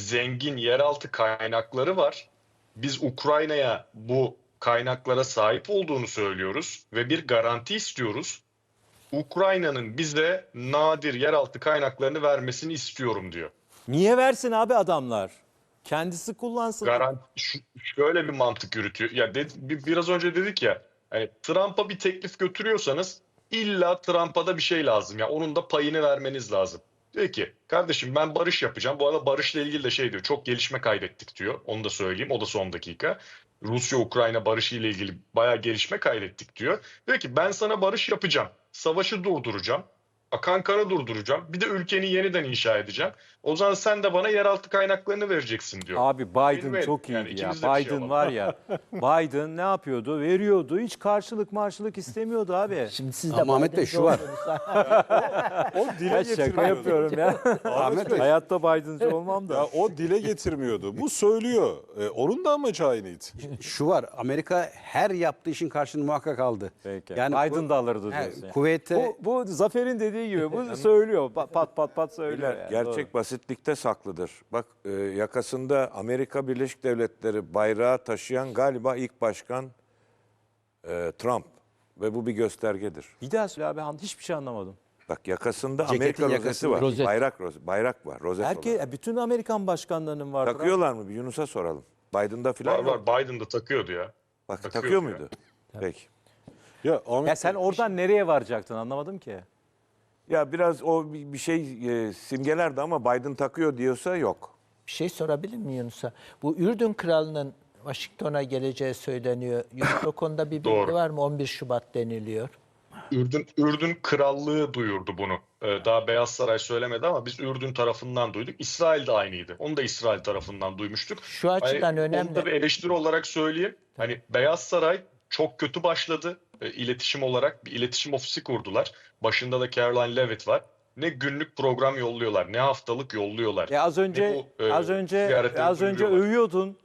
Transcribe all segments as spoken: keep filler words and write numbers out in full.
zengin yeraltı kaynakları var. Biz Ukrayna'ya bu kaynaklara sahip olduğunu söylüyoruz ve bir garanti istiyoruz. Ukrayna'nın bize nadir yeraltı kaynaklarını vermesini istiyorum diyor. Niye versin abi adamlar? Kendisi kullansın. Garanti şu- şöyle bir mantık yürütüyor. Ya dedi, bi- biraz önce dedik ya, hani Trump'a bir teklif götürüyorsanız illa Trump'a da bir şey lazım. Ya onun da payını vermeniz lazım. Diyor ki kardeşim ben barış yapacağım. Bu arada barışla ilgili de şey diyor. Çok gelişme kaydettik diyor. Onu da söyleyeyim. O da son dakika. Rusya-Ukrayna barışı ile ilgili bayağı gelişme kaydettik diyor. Diyor ki ben sana barış yapacağım. Savaşı durduracağım. Akan kanı durduracağım. Bir de ülkeni yeniden inşa edeceğim. O zaman sen de bana yeraltı kaynaklarını vereceksin diyor. Abi Biden Win-win. çok Yani iyiydi ya. ikimiz de bir şey Biden yapalım. var ya. Biden ne yapıyordu? Veriyordu. Hiç karşılık marşılık istemiyordu abi. Şimdi siz de Ama Ahmet Bey, Biden şu var. O dile Ben şaka getirmiyordu. yapıyorum ya. Ahmet Bey, Hayatta Biden'cı olmam da. ya o dile getirmiyordu. Bu söylüyor. E, onun da amacı aynıydı. Şu var, Amerika her yaptığı işin karşılığını muhakkak aldı. Peki. Yani Biden bu- da alırdı He, diyorsun. yani. Kuveyt'e Bu, bu Zafer'in dediği gibi bu söylüyor. Pa- Pat pat pat söylüyor. Beyler, yani. gerçek Doğru. basitlikte saklıdır. Bak e, yakasında Amerika Birleşik Devletleri bayrağı taşıyan galiba ilk başkan e, Trump. Ve bu bir göstergedir. Bir daha söyle abi, an- hiçbir şey anlamadım. Bak yakasında Ceketin Amerika rozeti yakasında var. rozet. Bayrak rozeti, bayrak var, rozet Herke, olarak. bütün Amerikan başkanlarının var. Takıyorlar mı? Bir Yunus'a soralım. Biden'da Var filan yok. var, Biden da takıyordu ya. Bak takıyor takıyor ya. muydu? Peki. Ya Ahmet Ya sen oradan nereye varacaktın anlamadım ki. Ya biraz o bir bir şey e, simgelerdi ama Biden takıyor diyorsa yok. bir şey sorabilir miyim Yunus'a? Bu Ürdün Kralı'nın Washington'a geleceği söyleniyor. Yunus o konuda bir bilgi Doğru. var mı? on bir Şubat deniliyor. Ürdün, Ürdün Krallığı duyurdu bunu. Ee, daha Beyaz Saray söylemedi ama biz Ürdün tarafından duyduk. İsrail de aynıydı. Onu da İsrail tarafından duymuştuk. Şu açıdan Hani önemli. Onu da bir eleştiri olarak söyleyeyim. Hani Beyaz Saray çok kötü başladı. E, iletişim olarak bir iletişim ofisi kurdular. Başında da Caroline Levitt var. Ne günlük program yolluyorlar, ne haftalık yolluyorlar. Ya az önce Ne bu, e, az önce ziyaretleri az önce duyuruyorlar. övüyordun.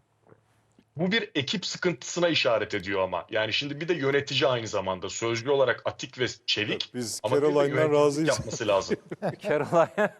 Bu bir ekip sıkıntısına işaret ediyor ama. Yani şimdi bir de yönetici aynı zamanda. Sözcü olarak atik ve çevik. Biz Ama bir de Caroline'dan yöneticilik razıyız. yapması lazım. Caroline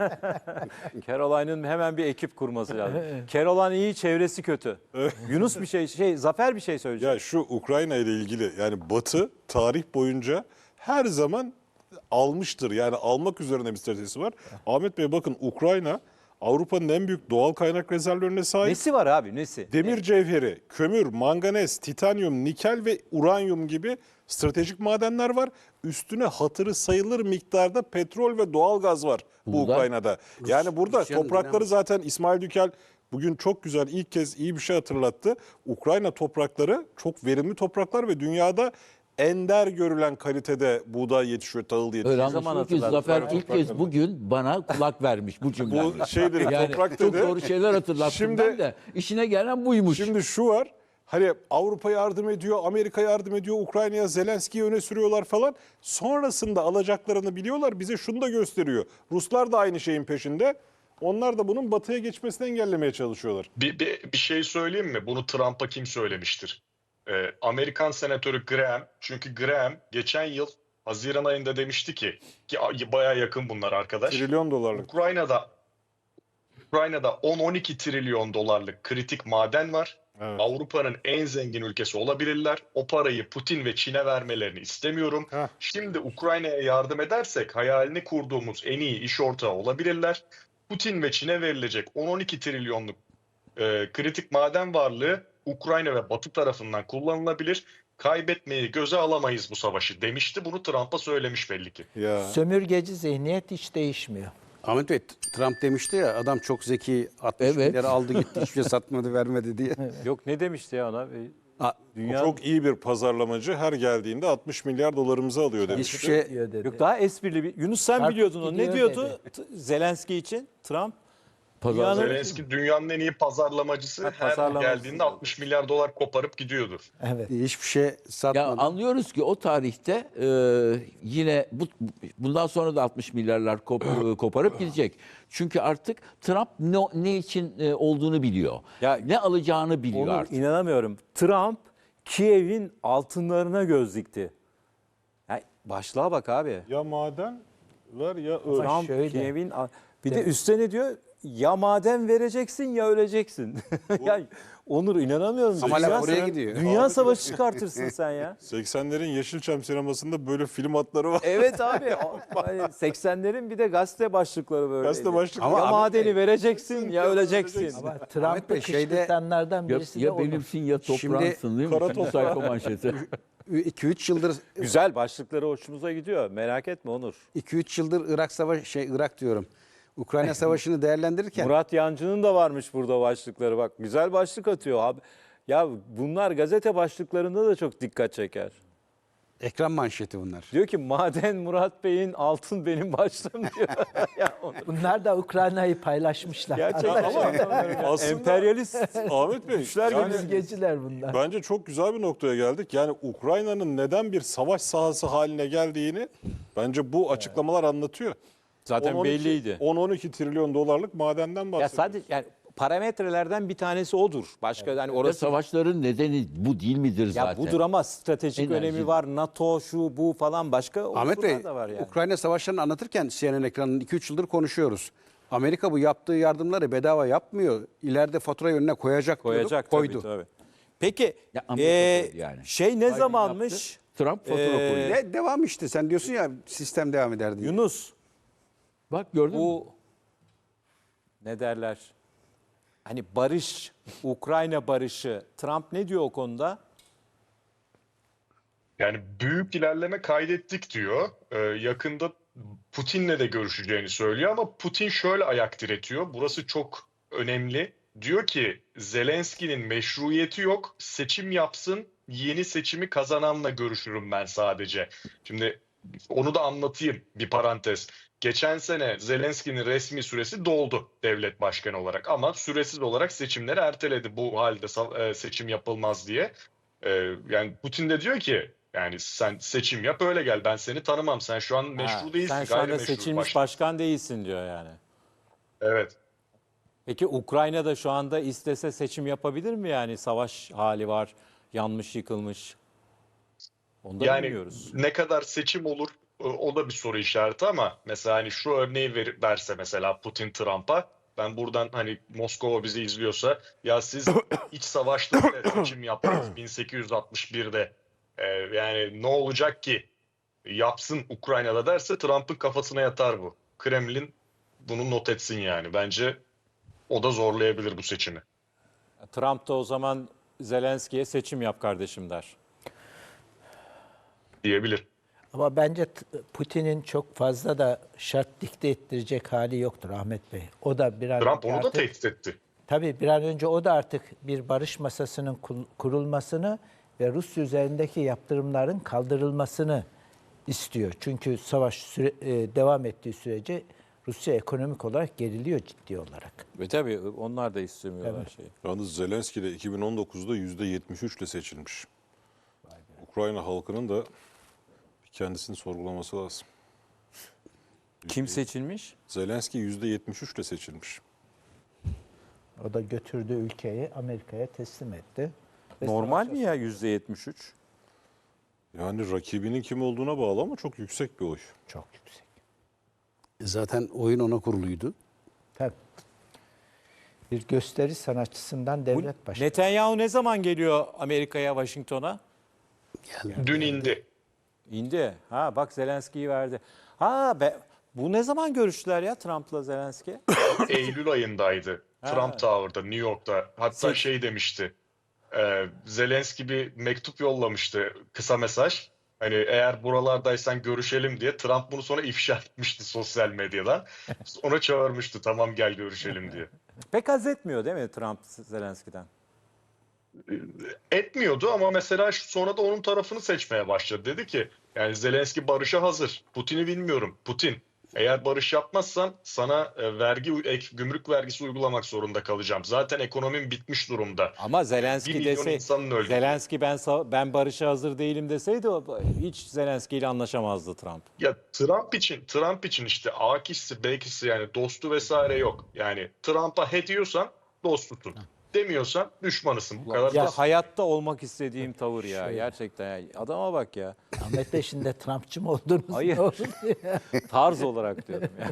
Caroline'ın hemen bir ekip kurması lazım. Caroline iyi, çevresi kötü. Yunus bir şey şey Zafer bir şey söyleyecek. Ya şu Ukrayna ile ilgili, yani Batı tarih boyunca her zaman almıştır. Yani almak üzerine bir stratejisi var. Ahmet Bey bakın, Ukrayna Avrupa'nın en büyük doğal kaynak rezervlerine sahip. Nesi var abi, nesi? Demir cevheri, kömür, manganez, titanyum, nikel ve uranyum gibi stratejik madenler var. Üstüne hatırı sayılır miktarda petrol ve doğalgaz var bu Burada Ukrayna'da. Yani burada Rusya'nın toprakları önemli- zaten İsmail Dükel bugün çok güzel, ilk kez iyi bir şey hatırlattı. Ukrayna toprakları çok verimli topraklar ve dünyada ender görülen kalitede buğday yetişiyor, tahıl yetişiyor. Öyle zaman anlaşılıyor ki hatırlattı? Zafer ilk kez bugün bana kulak vermiş bu cümle. Bu şey dedi, Yani toprak çok dedi. doğru şeyler hatırlattım Şimdi- ben de. İşine gelen buymuş. Şimdi şu var. Hani Avrupa yardım ediyor, Amerika yardım ediyor, Ukrayna'ya Zelenski'yi öne sürüyorlar falan. Sonrasında alacaklarını biliyorlar. Bize şunu da gösteriyor. Ruslar da aynı şeyin peşinde. Onlar da bunun batıya geçmesini engellemeye çalışıyorlar. Bir, bir, bir şey söyleyeyim mi? Bunu Trump'a kim söylemiştir? Ee, Amerikan senatörü Graham. Çünkü Graham geçen yıl Haziran ayında demişti ki, ki bayağı yakın bunlar arkadaş. Trilyon dolarlık. Ukrayna'da Ukrayna'da on on iki trilyon dolarlık kritik maden var. Evet. Avrupa'nın en zengin ülkesi olabilirler. O parayı Putin ve Çin'e vermelerini istemiyorum. Heh. Şimdi Ukrayna'ya yardım edersek hayalini kurduğumuz en iyi iş ortağı olabilirler. Putin ve Çin'e verilecek on on iki trilyonluk e, kritik maden varlığı Ukrayna ve Batı tarafından kullanılabilir. Kaybetmeyi göze alamayız bu savaşı demişti. Bunu Trump'a söylemiş belli ki. Ya. Sömürgeci zihniyet hiç değişmiyor. Ahmet Bey, Trump demişti ya, adam çok zeki, altmış Evet. milyar aldı gitti, hiçbir şey satmadı vermedi diye. Yok, ne demişti ya ona? Ha, Dünya Çok iyi bir pazarlamacı, her geldiğinde altmış milyar dolarımızı alıyor demişti. hiçbir şey Diyor dedi. Yok, daha esprili bir. Yunus sen Çarpıp biliyordun onu. Ne gidiyor diyordu? T- Zelenski için Trump dünyanın Zelenski dünyanın en iyi pazarlamacısı. Ha, Her pazarlamacısı. geldiğinde altmış milyar dolar koparıp gidiyordu. Evet. hiçbir şey Ya satmadı. anlıyoruz ki o tarihte e, yine bu, bundan sonra da altmış milyarlar kop, e, koparıp gidecek. Çünkü artık Trump ne, ne için e, olduğunu biliyor. Ya, ne alacağını biliyor Onur, artık. inanamıyorum. Trump Kiev'in altınlarına göz dikti. Ya, başlığa bak abi. Ya maden var ya öl. Trump şöyle, Kiev'in al- bir de üstte ne diyor? ya maden vereceksin ya öleceksin. Ya Onur inanamıyorum. Ama Dünya- laf oraya gidiyor. Dünya savaşı çıkartırsın sen ya. seksenlerin Yeşilçam sinemasında böyle film hatları var. Evet abi. o- hani seksenlerin bir de gazete başlıkları böyle. Gazete başlıkları. Ya Ama madeni Ahmet vereceksin ya öleceksin. öleceksin. Ama Ahmet Trump'ı Bey, şeyde- kışkırtanlardan Ya, birisi de ya Onur. benimsin ya Şimdi- toprağınsın değil mi? Kara Şimdi sayfa manşeti. iki üç yıldır Güzel başlıkları hoşumuza gidiyor. Merak etme Onur. iki üç yıldır Irak Savaşı şey Irak diyorum. Ukrayna Savaşı'nı değerlendirirken Murat Yancı'nın da varmış burada başlıkları. Bak güzel başlık atıyor abi. Ya bunlar gazete başlıklarında da çok dikkat çeker. ekran manşeti bunlar. Diyor ki maden Murat Bey'in, altın benim başlığım diyor. Ya Onur, Bunlar da Ukrayna'yı paylaşmışlar. gerçekten Aslında emperyalist Ahmet Bey, güçler yani gibi. Sömürgeciler bunlar. bence çok güzel bir noktaya geldik. Yani Ukrayna'nın neden bir savaş sahası haline geldiğini bence bu açıklamalar anlatıyor. Zaten on on iki belliydi. on on iki trilyon dolarlık madenden Ya bahsediyoruz. sadece yani parametrelerden bir tanesi odur. Başka yani Ve orası savaşların nedeni bu değil midir ya zaten? budur ama stratejik Enerji. önemi var. NATO şu bu falan başka Ahmet unsurlar Bey, da var yani. Ukrayna Savaşları'nı anlatırken C N N ekranının iki üç yıldır konuşuyoruz. Amerika bu yaptığı yardımları bedava yapmıyor. İleride faturayı önüne koyacak, Koyacak diyorduk, tabii, koydu. tabii. Peki Ya Amerika eee, koydu yani. şey ne Biden zamanmış? yaptı, Trump fatura Ee, koyuyor. Ve devam işte. Sen diyorsun ya sistem devam eder diye. Yunus Bak gördün mü? bu ne derler? Hani barış, Ukrayna barışı. Trump ne diyor o konuda? Yani büyük ilerleme kaydettik diyor. Ee, yakında Putin'le de görüşeceğini söylüyor ama Putin şöyle ayak diretiyor. Burası çok önemli. Diyor ki Zelenski'nin meşruiyeti yok. Seçim yapsın. Yeni seçimi kazananla görüşürüm ben sadece. Şimdi onu da anlatayım, bir parantez. Geçen sene Zelenski'nin resmi süresi doldu devlet başkanı olarak ama süresiz olarak seçimleri erteledi. Bu halde sa- e, seçim yapılmaz diye. Ee, yani Putin de diyor ki yani sen seçim yap öyle gel. Ben seni tanımam. Sen şu an meşru Ha, değilsin. sen şu anda gayrimeşru seçilmiş başkan. başkan değilsin diyor yani. Evet. Peki Ukrayna'da şu anda istese seçim yapabilir mi yani? Savaş hali var, yanmış, yıkılmış. Onu da Yani bilmiyoruz. ne kadar seçim olur e, o da bir soru işareti ama mesela hani şu örneği ver, verse mesela Putin Trump'a, ben buradan hani Moskova bizi izliyorsa ya siz iç savaşta bile seçim yaptınız bin sekiz yüz altmış birde. Ee, yani ne olacak ki yapsın Ukrayna'da derse Trump'ın kafasına yatar bu. Kremlin bunu not etsin yani. Bence o da zorlayabilir bu seçimi. Trump da o zaman Zelenski'ye seçim yap kardeşim der. Diyebilir. Ama bence t- Putin'in çok fazla da şart dikte ettirecek hali yoktur Ahmet Bey. O da bir an Trump önce onu da artık- tehdit etti. Tabii bir an önce o da artık bir barış masasının kul- kurulmasını ve Rusya üzerindeki yaptırımların kaldırılmasını istiyor. Çünkü savaş süre- e, devam ettiği sürece Rusya ekonomik olarak geriliyor ciddi olarak. Ve tabii onlar da istemiyorlar şeyi. Yalnız Zelenski de iki bin on dokuzda yüzde yetmiş üç ile seçilmiş. Ukrayna halkının da kendisini sorgulaması lazım. Kim seçilmiş? Zelenski yüzde yetmiş üç ile seçilmiş. O da götürdüğü ülkeyi Amerika'ya teslim etti. Ve Normal savaşa- mi ya yüzde yetmiş üç? Yani rakibinin kim olduğuna bağlı ama çok yüksek bir oy. Çok yüksek. Zaten oyun ona kuruluydu. Tabii. Bir gösteri sanatçısından devlet başkanı. Netanyahu ne zaman geliyor Amerika'ya, Washington'a? Dün indi. İndi. Ha bak Zelenski'yi verdi. Ha be, bu ne zaman görüştüler ya Trump'la Zelenski? Eylül ayındaydı. Ha. Trump Tower'da, New York'ta. Hatta Sek- şey demişti. E, Zelenski bir mektup yollamıştı. Kısa mesaj. Hani eğer buralardaysan görüşelim diye. Trump bunu sonra ifşa etmişti sosyal medyadan. Ona çağırmıştı. Tamam gel görüşelim diye. Pek haz etmiyor değil mi Trump Zelenski'den? Etmiyordu ama mesela şu- sonra da onun tarafını seçmeye başladı. Dedi ki yani Zelenski barışa hazır. Putin'i bilmiyorum. Putin, eğer barış yapmazsan sana e, vergi, ek, gümrük vergisi uygulamak zorunda kalacağım. Zaten ekonomim bitmiş durumda. Ama Bir Zelenski milyon dese insanın öldü. Zelenski ben sa- ben barışa hazır değilim deseydi o- hiç Zelenski ile anlaşamazdı Trump. Ya Trump için, Trump için işte A kişisi, B kişisi yani dostu vesaire yok. Yani Trump'a he diyorsan dostusun. demiyorsan düşmanısın. Bu kadar İşte basit. hayatta olmak istediğim tavır ya. Gerçekten ya. Adama bak ya. Ahmet Bey şimdi Trumpçı mı oldunuz? Hayır. Ne oldu ya? Tarz olarak diyorum ya.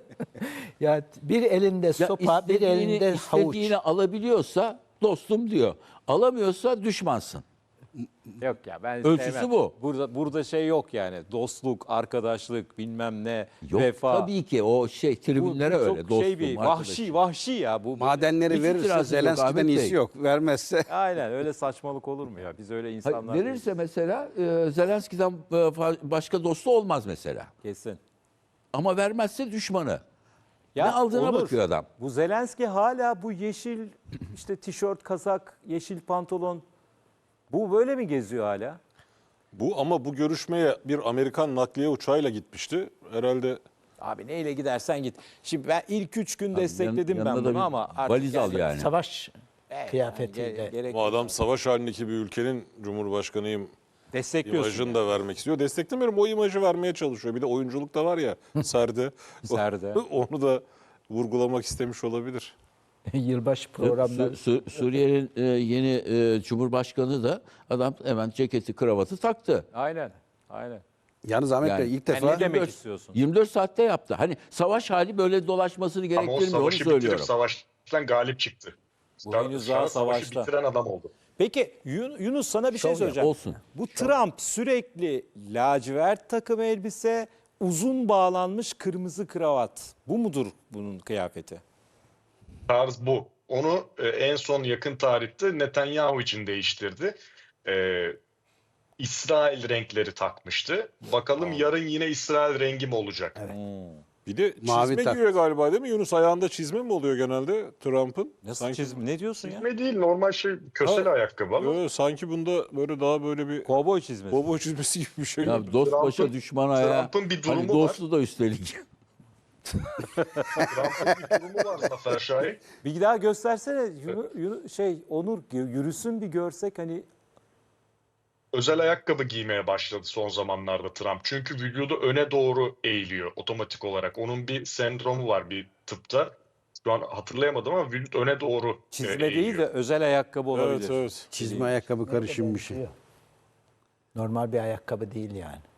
Ya bir elinde Ya sopa, bir istediğini- elinde havuç. istediğini alabiliyorsa dostum diyor. Alamıyorsa düşmansın. Yok ya ben Ölçüsü sevmem. bu. Burada burada şey yok yani. Dostluk, arkadaşlık, bilmem ne, Yok vefa. tabii ki o şey Bu- tribünlere bu çok öyle dostum, şey bir arkadaşım. vahşi vahşi ya bu. Madenleri Hiç verirse itirazım yok Zelenski'den Ahmet iyisi Bey. yok. Vermezse Aynen öyle saçmalık olur mu ya? Biz öyle Hayır, insanlar verirse değiliz. mesela e, Zelenski'den e, fa- başka dostu olmaz mesela. Kesin. Ama vermezse düşmanı. Ya Ne aldığına Onur, bakıyor adam. Bu Zelenski hala bu yeşil işte tişört, kazak, yeşil pantolon bu böyle mi geziyor hala? Bu ama bu görüşmeye bir Amerikan nakliye uçağıyla gitmişti. Herhalde Abi neyle gidersen git. Şimdi ben ilk üç gün destekledim yan- ben yanına da bunu bir ama artık valiz al yani. Savaş Evet, kıyafetiyle. ge- gerek bu yok. adam savaş halindeki bir ülkenin cumhurbaşkanıyım Destekliyorsun. imajını yani. da vermek istiyor. Desteklemiyorum, o imajı vermeye çalışıyor. Bir de oyunculuk da var ya Serde. Serde. Onu da vurgulamak istemiş olabilir. Yılbaşı programları. Su- Su- Suriye'nin e, yeni e, Cumhurbaşkanı da adam hemen ceketi, kravatı taktı. Aynen. Aynen. yalnız Ahmet Yani- Bey ilk Yani defa ne demek istiyorsun? yirmi dört saatte yaptı. Hani savaş hali böyle dolaşmasını Ama o gerektirmiyor onu savaşı bitirip söylüyorum. savaştan galip çıktı. Bu Şu an- henüz şu an daha savaşı savaşta. bitiren adam oldu. Peki Yun- Yunus sana bir şey Şov yap, söyleyeceğim. olsun. Bu Trump sürekli lacivert takım elbise, uzun bağlanmış kırmızı kravat. Bu mudur bunun kıyafeti? Tarz bu. Onu e, en son yakın tarihte Netanyahu için değiştirdi. E, İsrail renkleri takmıştı. Bakalım yarın yine İsrail rengi mi olacak? Bir de Mavi çizme tak. giyiyor galiba değil mi? Yunus ayağında çizme mi oluyor genelde Trump'ın? Nasıl Sanki- çizim? Ne diyorsun ya? Çizme değil, normal şey kösel Ha, ayakkabı ama. Yo, sanki bunda böyle daha böyle bir Kovboy çizmesi. kovboy çizmesi gibi bir şey. Ya dost başa Trump'ın- düşman ayağı. Trump'ın bir durumu Hani dostu da üstelik. Trump'ın bir durumu var Zafer Şahin. Bir daha göstersene Yunu- Yunu- şey Onur yürüsün bir görsek hani Özel ayakkabı giymeye başladı son zamanlarda Trump. Çünkü vücudu öne doğru eğiliyor otomatik olarak. Onun bir sendromu var bir tıpta. Şu an hatırlayamadım ama vücut öne doğru e, çizme eğiliyor. değil de özel ayakkabı olabilir. Evet evet. çizme ayakkabı karışım bir şey. Normal bir ayakkabı değil yani.